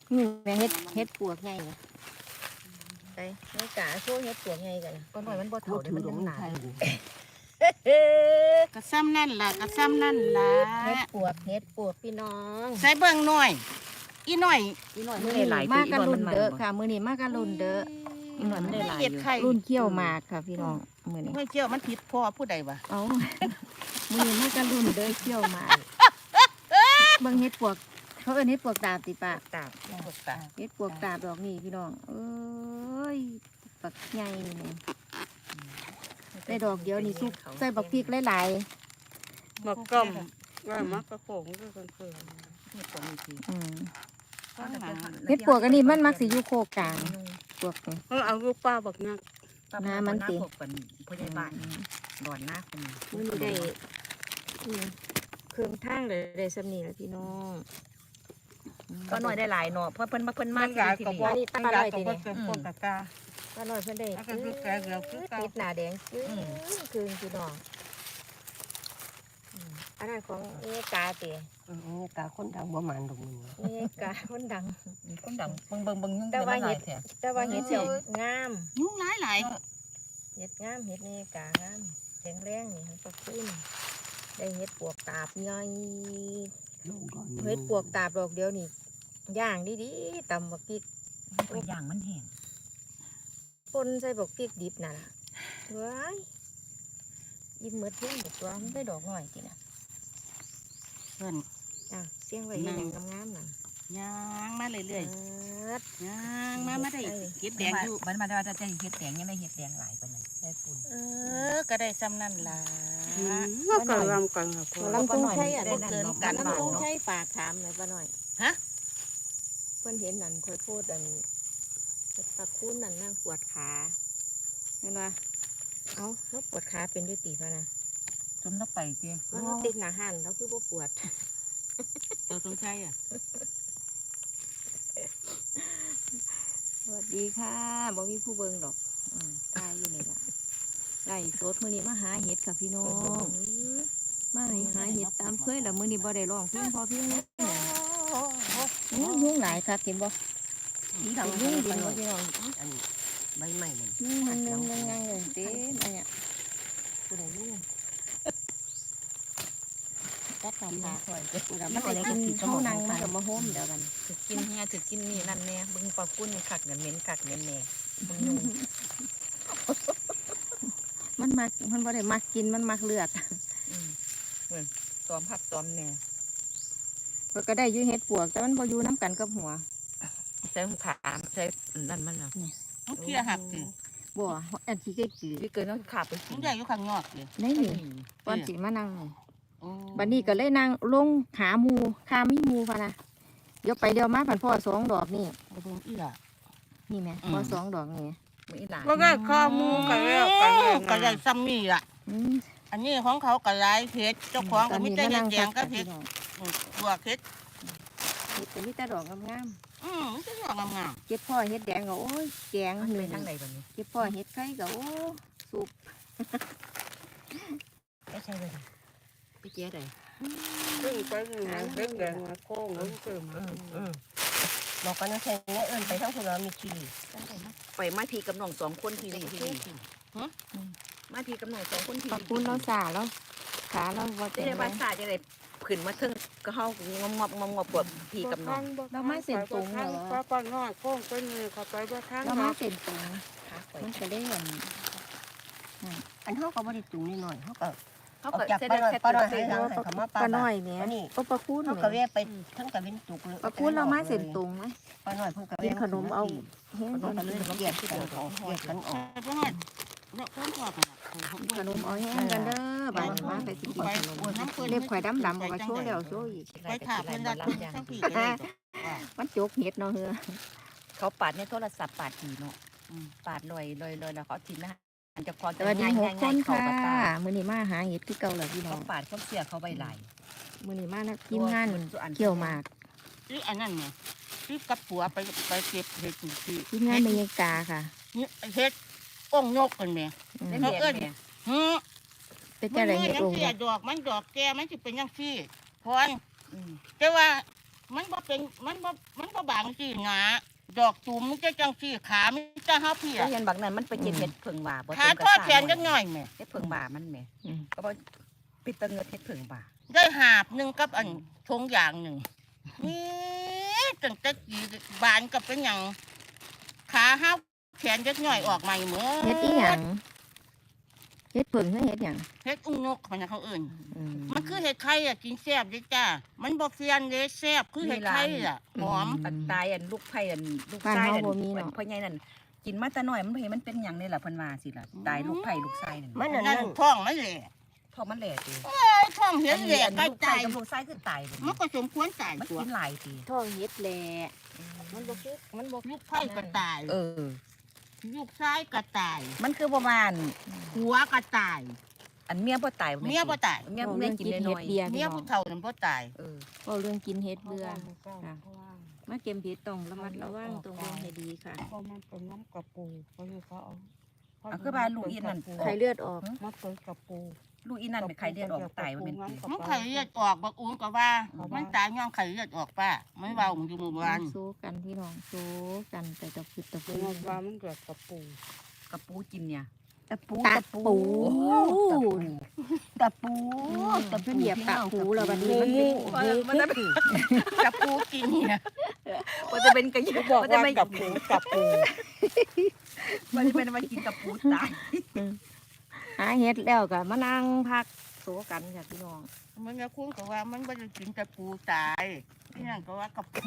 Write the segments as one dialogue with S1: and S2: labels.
S1: นี่แม่เฮ็ดปวกไงไปไม่กะโชว์เฮ็ดปวกไงกันก็หน่อยมันบ่เท่าเดี๋ยวมันยังหนา
S2: กระซ้ำนั่นล่ะกระซ้ำนั่นล่ะ
S1: เฮ็ดปวกพี่น้อง
S2: ใส่เบิ่งหน่อยอีหน่อย
S1: มื้อนี้มากันรุ่นเด้อค่ะมื้อนี้มากันรุ่นเด้ออีกหน่อยมันได้หลาย
S2: เฮ็ดไข่
S1: รุ่นเขี้ยวหมากค่ะพี่น้องมื้อนี้
S2: ไม่เกี่ยวมันผิดพ่อผู้ใดวะ
S1: เอามื้อนี้มากันรุ่นเด้อเขี้ยวหมากเบิ่งเฮ็ดปวกเขาเอิ้นเฮ็ดปวกตาบติปะ
S2: ตาปวดตา
S1: เฮ็ดปวกตาบดอกนี่พี่น้องเอ้ยปักใหญ่นี่ได้ดอกเดียวนี่สุกใส่บักพริกหลาย
S3: มักก้อมว่ามักกระโปงก็เพิ่น
S2: เฮ็ดปวกนี่ที
S1: ๆเฮ็ดปวกอันนี้มันมักสิอยู่โคกกลางปวกนี่
S3: เพิ่นเอาลูกป้าบักนัก
S1: น้ำมันติ
S2: เป็นผู้ใหญ่บ้านดอนหน้าคน
S1: มื้อนี้ได้เครื่องทางเลยได้สำนีแล้วพี่น้อง
S4: ก็หน่อยได้หลายเนาะเพราะเพิ่นมา
S3: มัน
S4: ที่
S3: กาย
S4: ที่
S3: กับ
S4: นี่
S3: ว่ามันกายกับว่าเป็นพวกกะกา
S1: ป้าน้อยเพิ่นได้
S3: แล้วก็คือแกเดียวคือเก่า
S1: ติดหน้าแดงคืนพี่น้องอันนั้นของเอกาติ
S5: กาคนดังบ่มันดอกมึง
S1: เอกาคนดัง
S4: คนดังเบิ่งยุ่ง
S1: แต่ว่า
S4: หลา
S1: เห็
S4: ย
S1: ด
S4: แท้
S1: แต่ว่าเห็ดเสียวงาม
S2: ยุ่งหลาย
S1: เห็ดงามเห็ดเอกางามแข็งแรงนี่ให้ประคุณได้เห็ดปวกตาบย่อย
S5: ลูกก่อน
S1: เห็ดปวกตาบดอกเดียวนี่ย่างดีๆตำบักพริก
S4: ตัวอย่างมันแห้ง
S1: ป่นใส่บักพริกดิบน่ะล่ะว้ายยิ้มเหมือนเพื่อนบอกว่ามันได้ดอกหน่อยจินะ
S2: ๆเพิ่น
S1: อ่ะเสียงไว้ยังงามๆน่ะ
S2: ย่างมาเรื่อยๆย่างมาได้เฮ็ดแดงอยู่
S4: มันมาจะเฮ็ดแดงยังได้เฮ็ดแดงหลายปานนั้นได้ฝุ่น
S2: ก็ได้ซ้ำนั่นล่ะ
S3: ก็กำลังกันค่ะพ่อ
S1: ลำตงใช่อ่ะ
S2: บ่เกินกัน
S1: ลำตงใช่ฝากถามหน่อยป้าหน่อย
S2: ฮะ
S1: เพื่อนเห็นนั่นคอยพูดอันตะคุ้นนั่นนั่งปวดขาเห็นว่าเอ้าแล้วปวดขาเป็นด้วยตีพะนะ
S4: จมลงไปติ
S1: มันติดหนาหันแล้วคือบ่ปวด
S2: ตัวตรงใช่อ่ะ
S1: สวัสดีค่ะบ่มีผู้เบิ่งดอกตายอยู่นี่ล่ะไล่สดมื้อนี้มาหาเห็ดค่ะพี่น้องมาให้หาเห็ดตามเคยแล้วมื้อนี้บ่ได้ร้องเพลงพอเพียงเลยยุ่งหลายค่ะเห็นบ่
S5: อีดัง
S1: ยุ่ง
S5: ดี
S1: ดี
S5: เนาะ
S1: พี่น้อง
S5: อันใบไม้มัน
S1: ยุ่งงังเลยเต็มอันเนี้ยผู้ใดยุ่งตัดขาดขามันไปกินข้าวนังมันก็มาโฮมเดี๋ยวกัน
S4: ถึกกินเฮียถึกกินนี่นั่นแน่เบิ่งปลากุ้นคักเนี่ยเหม็นคักเหม็นแน่เบิ่งยุ่ง
S1: มันมักมันบ่ได้มักกินมันมักเลือด
S4: ตอมผักตอมแน่
S1: เพิ่นก็ได้อยู่เฮ็ดปวกแต่มันบ่อยู่น้ำกันกับหัว
S4: ใส่ขาใส่นั่นมันน่ะ
S2: มันเคลียร์หักสิ
S1: บ่อันที่จืด
S4: ที่เกินต้องขาไปกิ
S2: มัน นใหญ่อยู่ข้างนอกเลย
S1: ๆนี่ก่อนสิมานั่ง
S2: โอ้
S1: บัดนี้ก็เลยนั่งลงหาหมู่ข้ามีหมู่พะนะเดี๋ยวไปเดี๋ยวมาพันพ่อสองดอกนี่
S2: บ่เบิ่งอีหล่ะ
S1: นี่แหม่พ่อสองดอกนี่
S4: มื้ออีหลาน
S3: ว่าได้ข้อมูลกันแล้วกันแล้ว
S2: ก็ได้ซ้ำนี่ล่ะ
S1: อืม
S2: อันนี้ของเขาก็หลายเฮ็ดเจ้าของก็มีแต่เฮ็ดแดงก็เฮ็ด
S1: ดอก
S2: ตัวเฮ็ด
S1: เฮ็ดก็มีแต่ดอกงาม
S2: มันจะดอกงาม
S1: ๆเก็บพ่อเฮ็ดแดงก็โอ้ยแกง
S4: มัน
S1: ห
S4: ไป
S1: นึ่ง
S4: ทางใดบัดนี้
S1: เก็บพ่อเฮ็ดไข่ก็โอ้สุก
S4: ไม่ใช่เลย
S1: ไปเจ๊ได้
S3: ซึ่งไปนี่นะเด็กแดงมาโค้งแล้วเกิดมา
S5: บอกกันนะใช่ไงเอิ้นไปทั้งคนเรามีขี้
S4: ไปมาทีกับน้องสองคนทีนี่ทีนี่มาทีกับน้องสองคนที
S1: ขอบคุณเราสาแล้วขาเราบ่
S4: จะ
S1: เต็ม
S4: ได้
S1: เล
S4: บ้าย นศาสตร์จะได้ขึ้นมาถึงก็เฮางอบปวดทีกับน้อง
S1: เรามาเส้นตรงเหรอ
S3: ป้าป้าน้อยโค้งไปนี่เขาไปว่าทาง
S1: เรามาเส้นตรง
S4: ขาไป
S1: มันก็ได้เงิน
S5: อันเฮาก็บ่ได้จุงนิดหน่อยเฮาก็
S4: เขา
S5: ออก
S4: ก็
S5: จาก
S4: เส้น
S5: ป้าน้อย
S4: เส้น
S5: ป้าน้อย
S4: เส้น
S5: ให้ทางให้เขามา
S1: ปลาน้อยเนี่ย
S5: อันนี้
S1: ก็ปลาคูน
S5: เฮาก็แวะไปทั้งตะเวนจุกเลย
S1: ปลาคูนเรามาเส้นตรงไหม
S5: ป้าน้อยเพิ่นก็
S1: กินขนมเอาเฮ้ย
S5: ขนมกันเลยเกียดกันออกเกียดกันออก
S2: ๆเพิ่นฮอดเราเพิ่นพอกันล่ะ
S1: ขนมเอาแห้งกันเด้อบ้านมาไปสิกินขนมเล็บข่อยดำๆก็โชว์แล้วโชว์อีก
S2: ไปถามเพิ่นละทั้งพี่ก็ได้
S1: มันจกเห็ดเนาะเฮือ
S4: เขาปาดในโทรศัพท์ปาดทีเนาะปาดลอยแล้วเขาทีนะอันจะพอ
S1: สวัสดี6คน
S4: เขา
S1: ค่ะ
S4: ปาตา
S1: มื้อนี้มาหาเห็ดคือเก่าแล้วพี่น้อ
S4: เขา
S1: ง
S4: ปาดเขาเสียเขาใบไหล
S1: มื้อนี้มานะทีมงานเกี่ยวหมาก
S2: ที่อันนั้นไงที่กับผัวไปเก็บเห็ดที่
S1: ทีมงานเมยกาค่ะ
S2: นี่เฮ็ดองยกกันแม่
S4: ได้
S2: เขา
S4: เมีย
S2: เอิ้น
S4: เนี่ย
S1: เป็น
S2: มั
S1: จังได๋
S2: น
S1: เห็ด
S2: ยัง
S1: โอ่ง
S2: เสียดอกมันดอกแก่มันสิเป็นจังซี่พรแต่ว่ามันบ่เป็นมันบ่บางสินะดอกตูมมันจะจังสิขามันจะหาเพีย
S4: ก็เห็นบักนั้นมันไปเก็บเห็ดเผิงบ่าบ่
S2: ขา
S4: เต็มก
S2: ทอ
S4: ระ
S2: ด
S4: ซ่า
S2: แขนจังหน่อยแม่
S4: เห็ดเผิงบ่ามันแหม่
S1: อืม
S4: ก็บ่ปิดตะเงิดเห็ดเผิงบ่า
S2: ได้หาบหนึงกับอันทงอย่างหนึ่งนี่ตั้งแต่กี่บานก็เป็นหยังขาห้าวแขนจักหน่อยออกมาเหมือน
S1: เฮ็ดอีหยังเฮ็ดเพิ่งคือเฮ็ดหยัง
S2: เฮ็ดอุ้งนกมันนะเขาเอิ่น
S1: อืม
S2: มันคือเห็ดไข่อ่ะกินแซ่บเด้จ้ามันบ่เฟียนเด้แซ่บคือเห็ดไข่อ่ะหอม
S4: อันตายอันลูกไผ่อันลูก
S1: บ้าน
S4: ชาย
S1: เฮา
S4: นั่น
S1: บ่มีเนาะ
S4: พ่อใหญ่นั่นกินมาแต่น้อยมันเห็นมันเป็นหยังนี่ล่ะเพิ่นว่าสิล่ะตายลูกไผ่ลูกชายนั่น
S5: มันนั่น
S2: นั่น
S5: นั่น
S2: ท้องมันแหละ
S4: ท้องมันแหล่ติ
S2: ไอ้ท้องเห็นแหละใกล้
S4: ลูกไผ่
S2: ตาย
S4: กับลูกชายคือตายเลย
S2: มันก็สมควรตาย
S4: มัน
S2: ตัว
S4: กินหลายติ
S1: ท้องเฮ็ดแหละมันบ่คือมันบ่
S2: ลูกไผ่ก็ตาย
S4: เออ
S2: ลูกชายก็ตาย
S4: มันคือประมาณ
S2: หัวก็ตาย
S4: อันเมียบ่ตาย
S2: เมียบ่ตาย
S4: เมียกินน้อย
S1: เบียร์
S2: เมี
S1: พี่
S2: ย
S1: น้อง
S2: ผู้เฒ่านั่นบ่ตาย
S4: เออ
S1: เว้าเรื่องกินเฮ็ดเบื่อค่ะมาเก็บเฮ็ดต้องระมัดระวังตรงเบิ่งให้ดีค่ะ
S3: เพราะมันเป็นน้ำกระปูก็คือเขาเอา
S4: เอาคือบ้านลูกอีนั่น
S1: ไข้เลือดออก
S3: มาเปิดกระปู
S4: ลูกอีนั่นเป็นไข้เลือดออกตายมันเป็นติ
S2: มันไข้เลือดออกบักอุ้งก็ว่า มันตายย้อนไข้เลือดออกป้ามันเว้ามันอยู่หมู่บ้าน
S1: สู้กันพี่น้องสู้กันแต่ตะพึดตะ
S3: เป็
S1: พื
S3: นว่ามันเกิดกระปู
S4: กระปูกินเนี่ย
S5: ตะปู
S1: ตะปู
S5: ตะปู
S1: ตะเพิ่นเหยียบตะปูแล้วบัดนี้มันเป็น
S2: กระปูกินเนี่ย
S4: มันจะเป็นกระยุ
S3: บอก
S4: มันจะ
S3: ว่า
S4: ไม่
S3: กระปูกระปู
S4: มันจะเป็นมากินกระปูตาย
S1: หาเฮ็ดแล้วก็มานั่งพักโซกันค่ะพี่น้อง
S2: มันก็คุ้นก็ว่ามันบ่ได้กินกระปูตายนี่นั่นก็ว่ากระปู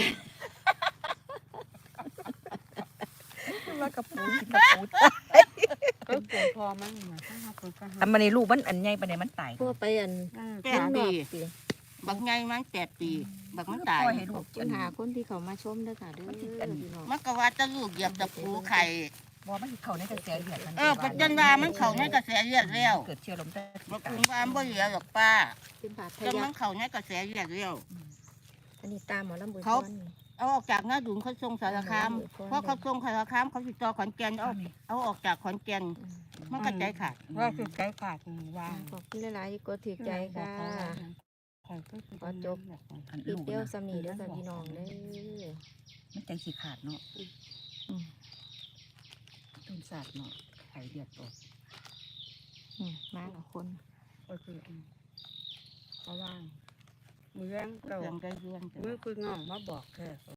S4: ว่ากระปูกินกระปูตาย
S3: ก็ปวดพอมันมาถ้าหาคนก็หา
S4: อันมันในลูกมันอันใหญ่ปานใดมันตาย
S1: พวกไปอัน
S2: แป
S1: ข้า
S2: ด
S1: งน
S2: ปี
S1: อกสิ
S2: บักไงมัน8 ปีบักมันตาย
S4: ปล่อยให้ลูก
S1: ปัญหาคนที่เขามาชมเด้อค่ะเด้อพี่น้อง
S2: มันก็ว่าจะลูกเหยียบตะปูไข่
S4: บ่มันเข้าในกระแสเลือดมัน
S2: ปัจจันว่ามันเข้าในกระแสเลือดแล้ว
S4: เกิดเชื้อลมใต้
S2: บักอุ้งว่ามันบ่เหลือหรอกป้า
S1: เป็นบาดทะ
S2: แต่
S1: ยั
S2: มั
S1: ก
S2: นเข้าในกระแสเลือดแล้ว
S1: อันนี้ตามหมอลำบุญ
S2: เขา
S1: พรนี่
S2: เอาออกจากหน้าดุนเขาส่งสารคามเพราะเขาส่งสารคามเขาติดต่อขอนแก่นเอาออกจากขอนแก่นมันก็ใจขาด
S3: ว่าคือใจขาดวาง
S1: ขอบคุณหลายๆที่กดถือใจค่ะ
S3: ขอจบ
S4: อัน
S1: อี
S4: ลู
S1: ก
S4: ก
S1: เดียว
S4: นะ
S1: สำนีเด้อค่ะพี่น้องเด้อ
S4: มันใจสิขาดเนาะ
S1: อืม
S4: ต้นศาสตร์เนาะไข้เลือดออก
S1: มากับคน
S3: ก็คือเพราะว่ามือแรงเก่า
S2: เรื่องได้เรื่อง
S3: มือคืองอมาบอกแค่